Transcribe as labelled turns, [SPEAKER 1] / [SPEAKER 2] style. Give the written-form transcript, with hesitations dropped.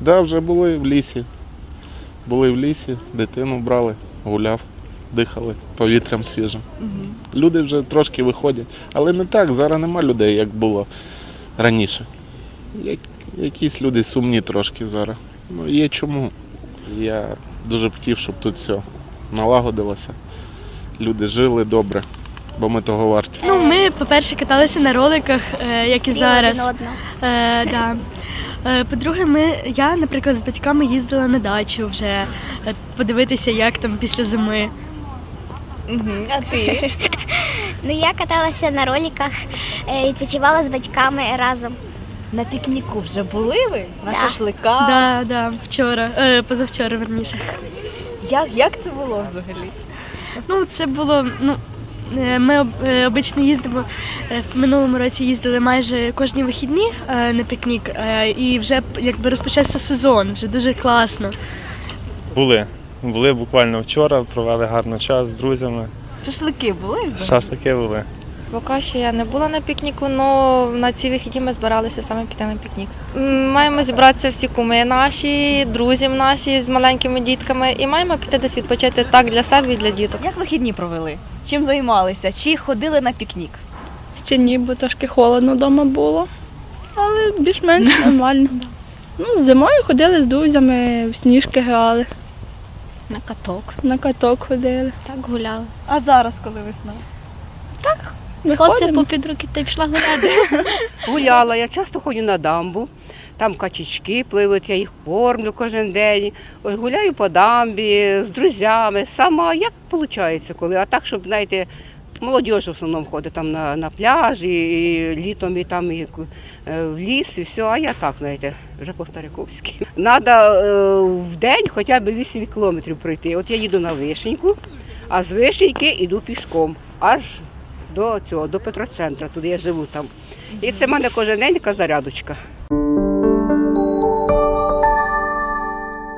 [SPEAKER 1] Да, вже були в лісі. Були в лісі, дитину брали, гуляв, дихали повітрям свіжим. Люди вже трошки виходять. Але не так, зараз нема людей, як було раніше. Якісь люди сумні трошки зараз. Ну, є чому. Я дуже б хотів, щоб тут все налагодилося. Люди жили добре, бо ми того варті.
[SPEAKER 2] Ну, ми, по-перше, каталися на роликах, як і зараз. Да. По-друге, я, наприклад, з батьками їздила на дачу вже подивитися, як там після зими.
[SPEAKER 3] А ти?
[SPEAKER 4] Ну, я каталася на роликах, відпочивала з батьками разом.
[SPEAKER 3] На пікніку вже були ви? На
[SPEAKER 4] Да.
[SPEAKER 3] шашликах?
[SPEAKER 2] Да, вчора, позавчора, верніше.
[SPEAKER 3] Як це було взагалі?
[SPEAKER 2] Ну, це було, ми обично їздимо, в минулому році їздили майже кожні вихідні на пікнік, і вже якби розпочався сезон, вже дуже класно.
[SPEAKER 5] Були буквально вчора, провели гарний час з друзями.
[SPEAKER 3] Шашлики були взагалі?
[SPEAKER 5] Шашлики були.
[SPEAKER 6] Поки що я не була на пікніку, але на ці вихідні ми збиралися саме піти на пікнік. Маємо зібратися всі куми наші, друзі наші з маленькими дітками і маємо піти десь відпочити так для себе і для діток.
[SPEAKER 3] Як вихідні провели? Чим займалися? Чи ходили на пікнік?
[SPEAKER 7] Ще ні, бо трошки холодно вдома було, але більш-менш нормально. Ну, зимою ходили з друзями, в сніжки грали,
[SPEAKER 4] На каток.
[SPEAKER 7] на каток ходили.
[SPEAKER 4] Так гуляли.
[SPEAKER 3] А зараз, коли весна?
[SPEAKER 7] Виходимо.
[SPEAKER 4] попід руки та й пішла гуляти.
[SPEAKER 8] Гуляла, я часто ходжу на дамбу, там качечки пливуть, я їх кормлю кожен день. Ось гуляю по дамбі з друзями, сама, як виходить коли. А так, щоб, знаєте, молодь в основному ходить там на пляж, і літом і там і в ліс, і все, а я так, знаєте, вже по-стариковськи. Треба в день хоча б 8 кілометрів пройти. От я їду на Вишеньку, а з Вишеньки йду пішком, аж до Петроцентра, туди я живу там. І це в мене кожен день така зарядочка.